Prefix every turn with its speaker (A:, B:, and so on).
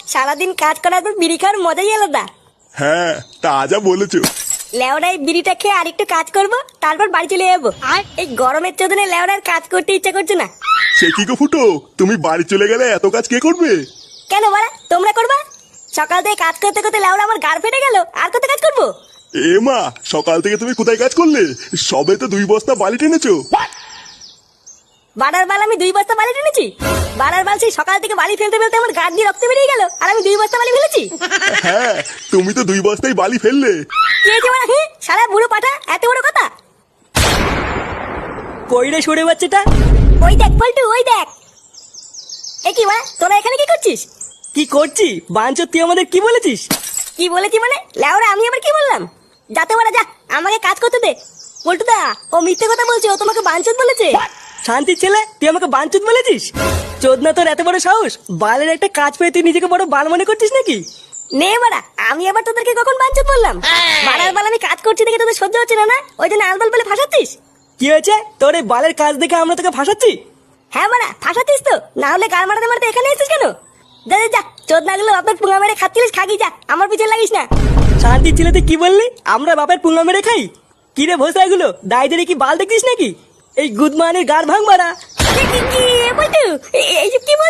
A: সারাদিন কাজ করার পর বিড়ি খাওয়ার মজাই আলাদা।
B: হ্যাঁ, তা যা বলেছো।
A: লেওড়ায় বিড়িটা খেয়ে আরেকটু কাজ করব, তারপর বাড়ি চলে যাবো। আর এই গরমের চোদনে লেওড়ার কাজ করতে ইচ্ছা করছে না।
B: সে কি গো ফুটো, তুমি বাড়ি চলে গেলে এত কাজ কে করবে?
A: কেন বাড়া, তোমরা করবা? সকাল থেকে কাজ করতে করতে লেওড়া আমার গাড় ফেটে গেল, আর কত কাজ করবো?
B: এ মা, সকাল থেকে তুমি কোথায় কাজ করলে? সবে তো 2 বস্তা বালি টেনেছো।
A: বাড়ার বাল আমি 2 বস্তা বালি টেনেছি? বাড়ার বাল সেই সকাল থেকে বালি ফেলতে ফেলতে আমার গাড় দিয়ে রক্ত বেরিয়ে গেল, আর আমি 2 বস্তা বালি ফেলেছি?
B: হ্যাঁ, তুমি তো 2 বস্তাই বালি ফেললে।
A: কি হয়েছে বাড়া? সারা বুড়ো পাঠা, এত বড় কথা?
C: কইরে সরে বাচ্চাটা।
A: ওই দেখ পল্টু, ওই দেখ। এ কি বাড়া, তোরা এখানে কি করছিস?
C: কি করছি বাঞ্চো, তুই আমাদের কি বলেছিস?
A: কি বলেছি মানে? লেওরা আমি আবার কি বললাম? যাতে বাড়া যা, আমাকে কাজ করতে দে। পল্টুদা, ও মিথ্যে কথা বলছে, ও তোমাকে বাঞ্চত বলেছে।
C: শান্তির ছেলে, তুই আমাকে বাঞ্চুত বলেছিস? চোদনা তোর এত বড় সাহস! বালের একটা কাজ পেয়ে তুই নিজেকে বড় বাল মনে করছিস নাকি?
A: নে বাড়া, আমি আবার তোদেরকে কখন বাঞ্চত বললাম? বাড়ার বাল আমি কাজ করছি দেখে তোদের সহ্য হচ্ছে না, না ওই জন্য আলবাল বলে ফাঁসাচ্ছিস?
C: কি হয়েছে তোর এই বালের কাজ দেখে আমরা তোকে ফাঁসাচ্ছি?
A: হ্যাঁ বাড়া, ফাঁসাচ্ছিস তো, না হলে গাল মারাতে মারাতে এখানে এসেছিস কেন? যা যা যা, চোদনাগুলো আপনার পুঙ্গা মেরে খাচ্ছিলিস, খাগি যা, আমার পিছনে লাগিস না।
C: শান্তির ছেলে, তুই কি বললি? আমরা বাপের পুঙ্গা মেরে খাই? কি রে ভোসা, এগুলো দায়ীদের কি বাল দেখছিস নাকি? এই গুদমানের গাড় ভাঙ মারা।
A: কি বলতু? এইসব কি বলছিস?